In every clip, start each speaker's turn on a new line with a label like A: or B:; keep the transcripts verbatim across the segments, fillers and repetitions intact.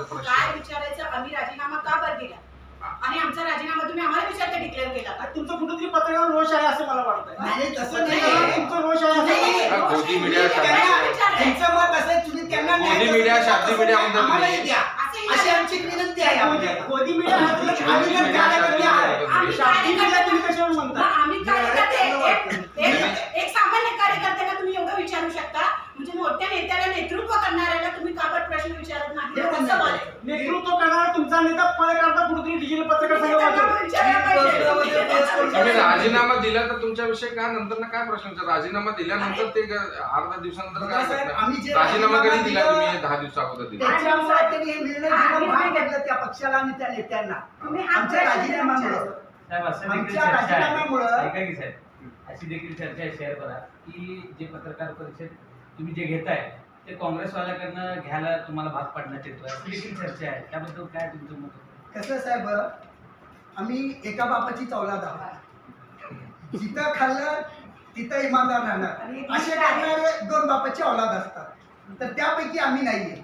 A: प्रश्न
B: काय विचारायचं, आम्ही राजीनामा का बरं दिला आणि आमचा राजीनामा तुम्ही आम्हाला विचारता डिक्लेअर केला का?
C: तुमचं कुठेतरी पत्रकार रोष आहे असं मला वाटतंय.
D: नाही तसं नाही,
C: तुमचं रोष आहे असं
A: हा, मोदी मीडिया
D: त्यांचं मत असं आहे, तुम्ही त्यांना न्याय
A: मोदी
D: देऊ
A: मीडिया,
D: शकता,
A: शाब्दिक मीडिया म्हणतात
D: आम्हालाही
A: तुम्ही.
D: द्या अशी आमची एक विनंती आहे आपल्याला.
C: मोदी मीडिया हा तुला
A: मोदी
C: आम्ही तर
A: मीडिया,
C: कार्यकर्ते आहे.
B: आम्ही
C: शाब्दिक मीडिया तुम्ही कशावर
B: मग
C: म्हणता?
B: आम्ही कार्यकर्ते एक- एक- एक सामान्य कार्यकर्त्याला तुम्ही एवढं विचारू शकता, म्हणजे मोठ्या नेत्याला नेतृत्व करणाऱ्याला तुम्ही का बरं प्रश्न विचारत नाही?
D: हे
B: हे कसं
D: म्हणणं
B: बोलायचं?
D: आहे.
C: नेतृत्व करणारा तुमचा नेता पत्रकारिता कुठेतरी डिजिटल पत्रकार संघ
B: त्यांना
C: वाचवतो.
B: विचारायला पाहिजे.
A: तुम्ही राजीनामा दिला तर तुमच्याविषयी काय नंतर ना काय प्रश्न विचार? राजीनामा दिल्यानंतर ते ग- अर्धा दिवसानंतर काय
D: साहेब,
A: करणार?
D: आम्ही जे
A: राजीनामा कधी
D: राजीनामा
A: दिला
D: दिला-
A: तुम्ही? दहा दिवसा अगोदर दिला.
D: त्याच्यामुळे त्यांनी हे निर्णय घेणं भाग पडलं त्या पक्षाला आणि त्या नेत्यांना.
B: तुम्ही हा
D: आमच्या
B: प्रश्न
D: राजीनाम्यामुळे
E: साहेब असं देखील
D: आमच्या
E: चर्चा आहे
D: राजीनाम्यामुळं-
E: ऐका की साहेब अशी देखील चर्चा आहे शेअर करा की जे पत्रकार परिषद तुम्ही जे घेताय ते काँग्रेसवाल्याकडनं घ्यायला तुम्हाला भाग पाडण्यात येतो अशी देखील चर्चा आहे, त्याबद्दल काय तुमचं मत?
D: कसं साहेब, आम्ही एका बापाची औलाद आहोत. जिथं खाल्लं तिथं इमानदार राहणार असे करणारे दोन बापाची औलाद असतात, तर त्यापैकी आम्ही नाहीये.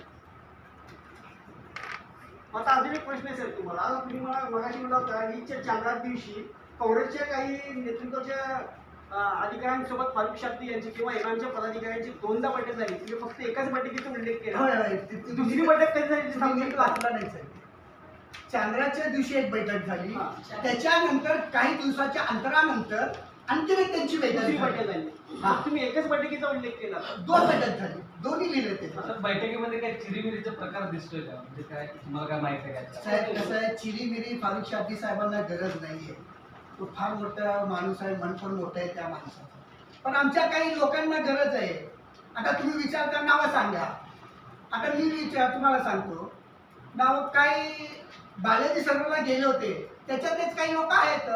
C: आता अजून एक प्रश्न आहे साहेब तुम्हाला. आता तुम्ही मला मगाशी म्हणला होता ईदच्या चांद्रा दिवशी काँग्रेसच्या काही नेतृत्वाच्या अं, अधिकाऱ्यांसोबत फारुख शाब्दी यांची किंवा इराणच्या पदाधिकाऱ्यांची दोनदा बैठक झाली. तुम्ही फक्त एकाच बैठकीचा उल्लेख केला.
D: होय, होय. ती- ती-
C: दुसरी बैठक कधी झाली ते
D: तुम्ही
C: सांगू
D: नीट
C: शकता?
D: वाचला नाही साहेब. चांद्राच्या दिवशी एक बैठक झाली,
C: हा.
D: त्याच्यानंतर काही दिवसाच्या अंतरानंतर आणखी एक त्यांची बैठक
C: दुसरी
D: झाली.
C: बैठक झाली.
D: हा.
C: तुम्ही एकच बैठकीचा उल्लेख केला.
D: दोन बैठक झाली, दोन्ही लिहिले ते.
E: आता बैठकीमध्ये काय चिरीमिरीचा प्रकार दिसतोय का? म्हणजे काय तुम्हाला काय माहिती आहे का?
D: साहेब कसं आहे, चिरीमिरी फारुख शाब्दी साहेबांना गरज नाहीये. तो फार मोठा माणूस आहे, मन पण मोठं आहे त्या माणसाचं. पण आमच्या काही लोकांना गरज आहे. आता तुम्ही विचारता नावं सांगा. आता मी विचार तुम्हाला सांगतो, नाव काही बालाजी सर्वला गेले होते, त्याच्यातलेच काही लोक आहेत.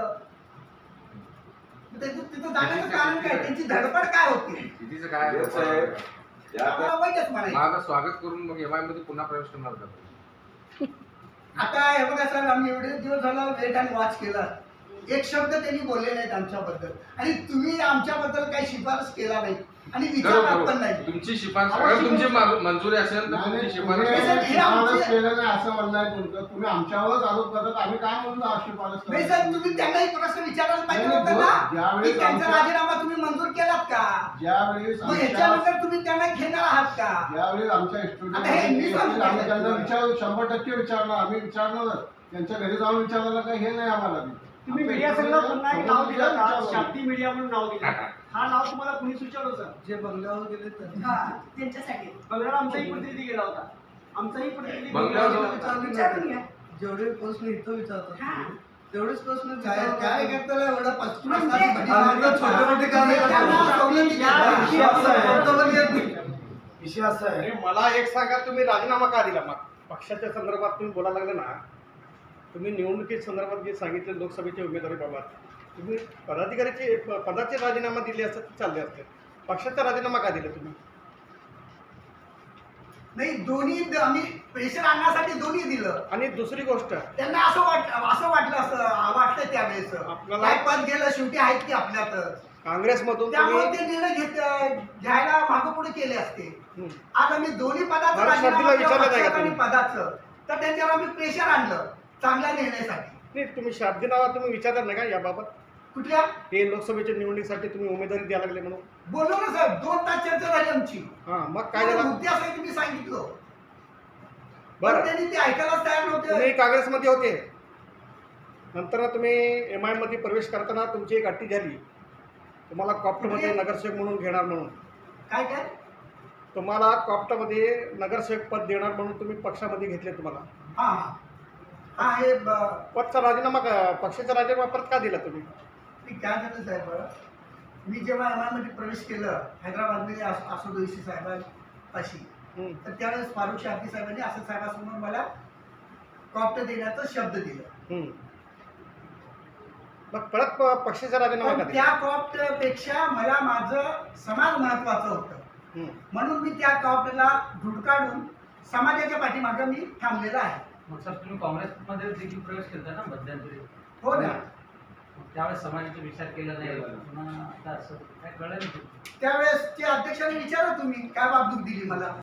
D: त्याचं- तिथं जाण्याचं कारण काय, त्यांची धडपड काय होती?
A: कितीचं काय
F: येस साहेब. या तर-
D: आम्हाला वाईटच म्हणायचं.
A: माझं स्वागत करून मग एम आय मध्ये पुन्हा प्रवेश करणार का?
D: आता हे बघा साहेब, आम्ही एवढे दिवस झाला वेट आणि वॉच केला, एक शब्द त्यांनी बोलले नाहीत आमच्याबद्दल, आणि तुम्ही आमच्याबद्दल काही शिफारस केला नाही आणि विचारत पण नाही.
A: तुमची शिफारस अगर तुमची मा- मंजुरी असेल तर तुमची शिफारस
D: हे
A: करा.
D: आमचे-
G: केलं नाही असं म्हणणं आहे तुमचं. तुम्ही आमच्यावरच आरोप करतात, आम्ही काय म्हणून शिफारस
D: नाही साहेब, तुम्ही त्यांनाही प्रश्न विचारायला पाहिजे
G: नाही,
D: होता
G: नाही,
D: ना,
G: ज्यावेळेस
D: की त्यांचा
G: आमच्या-
D: राजीनामा तुम्ही मंजूर केलात का?
G: ज्यावेळेस
D: मग
G: आमच्या
D: ह्याच्यानंतर तुम्ही त्यांना घेणार आहात का?
G: ज्यावेळेस आमच्या
D: आता हे मी
G: स्टुडंट
D: सांगतो
G: आम्ही त्यांना
D: तुम्हाला.
G: विचार शंभर टक्के विचारणार, आम्ही विचारणारच. त्यांच्या घरी जाऊन विचारण्याला काही हे नाही आम्हाला.
C: तुम्ही मीडिया संघ पुन्हा एक नाव दिलं का?
G: विचारलं.
C: शाब्दी मीडिया म्हणून नाव दिलं. हा नाव तुम्हाला कुणी सुचवलं सर?
D: जे बंगल्यावर गेले तर
B: हा, त्यांच्यासाठी
C: बंगल्यावर आमचाही प्रतिनिधी गेला होता. आमचाही प्रतिनिधी
A: बंगल्यावर
C: बंगल्यावर-
B: विचारून घ्या.
H: जेवढे प्रश्न इथं
B: हा.
H: विचारतात तेवढेच प्रश्न
D: काय काय करताना एवढं पस्तीस
B: म्हणजे-
D: प्रश्नाची भटी
H: आम्ही तर
D: मारतात.
H: छोटे मोठे कामे करतो.
D: त्यांना सवलती
C: या
D: देतात.
C: विषयी असं आहे.
H: वक्तव्य येत नाही. विषय असा आहे,
I: अरे मला एक सांगा, तुम्ही राजीनामा का दिला? मग पक्षाच्या संदर्भात तुम्ही बोलायला लागले ना, तुम्ही निवडणुकी संदर्भात जे सांगितले लोकसभेच्या उमेदवारीबाबत, तुम्ही पदाधिकाऱ्याचे प- पदाचे राजीनामा दिले असते तर चालले असते. पक्षाचा राजीनामा का दिला तुम्ही?
D: नाही, दोन्ही द- आम्ही प्रेशर आणण्यासाठी दोन्ही दिलं.
I: आणि दुसरी गोष्ट,
D: त्यांना असं वाट असं वाटलं असं वाटलं त्यावेळेस
I: आपल्याला-
D: काय पद गेलं, शेवटी आहेत की आपल्यातच,
I: काँग्रेसमधून
D: त्यामुळे
I: तुम्ही
D: ते निर्णय घेत घ्यायला मागं पुढे केले असते.
I: हं.
D: आज आम्ही दोन्ही पदाचं
I: मला
D: राजीनामा
I: शब्दीला
D: केला,
I: विचारलं नाही का
D: पक्षाचं आणि
I: तुम्ही?
D: पदाचं, तर त्यांच्यावर आम्ही प्रेशर आणलं चांगल्या निर्णयासाठी.
I: नाही, तुम्ही शाब्दी नावा तुम्ही विचारलं नाही का याबाबत?
D: कुठल्या
I: हे लोकसभेच्या निवडणुकीसाठी तुम्ही उमेदवारी द्यायला लागले म्हणून.
D: बोललो ना सर, दोन तास चर्चा झाली आमची.
I: हां, मग काय झालं?
D: मुद्दे असायचे मी सांगितलं, पण
I: बरं,
D: त्यांनी ते ऐकायलाच तयार
I: तुम्ही
D: नव्हते.
I: काँग्रेसमध्ये होते, नंतर तुम्ही एम आयमध्ये प्रवेश करताना तुमची एक अट्टी झाली, तुम्हाला कॉप्टमध्ये नगरसेवक म्हणून घेणार म्हणून.
D: काय काय
I: तुम्हाला कॉप्टमध्ये नगरसेवक पद देणार म्हणून तुम्ही पक्षामध्ये घेतले. तुम्हाला
D: हा हा हा हे ब-
I: पदचा राजीनामा का पक्षाचा राजीनामा परत का दिला तुम्ही?
D: मी काय झालं साहेब, मी जेव्हा एम आयमध्ये प्रवेश केलं हैदराबादमध्ये असो दोषी साहेबांपाशी,
I: हं.
D: तर त्यावेळेस फारुख शाब्दी साहेबांनी असं साहेबांसमोर मला कॉप्ट देण्याचा शब्द दिला.
I: हं. मग परत प- पक्षाचा राजीनामा का
D: पण
I: दिला?
D: त्या कॉप्ट पेक्षा मला माझं समाज महत्वाचं होतं,
I: हं.
D: म्हणून मी त्या कॉप्टला धुडकाडून समाजाच्या पाठीमागं मी थांबलेला आहे.
E: मग सर तुम्ही काँग्रेसमध्ये देखील प्रवेश केला ना मध्यंतरी,
D: हो ना,
E: मग त्यावेळेस समाजाचा विचार केला नाही, पुन्हा आता असं काय कळलं नाही.
D: त्यावेळेस त्या अध्यक्षाने विचारा तुम्ही काय बाबदूक दिली मला.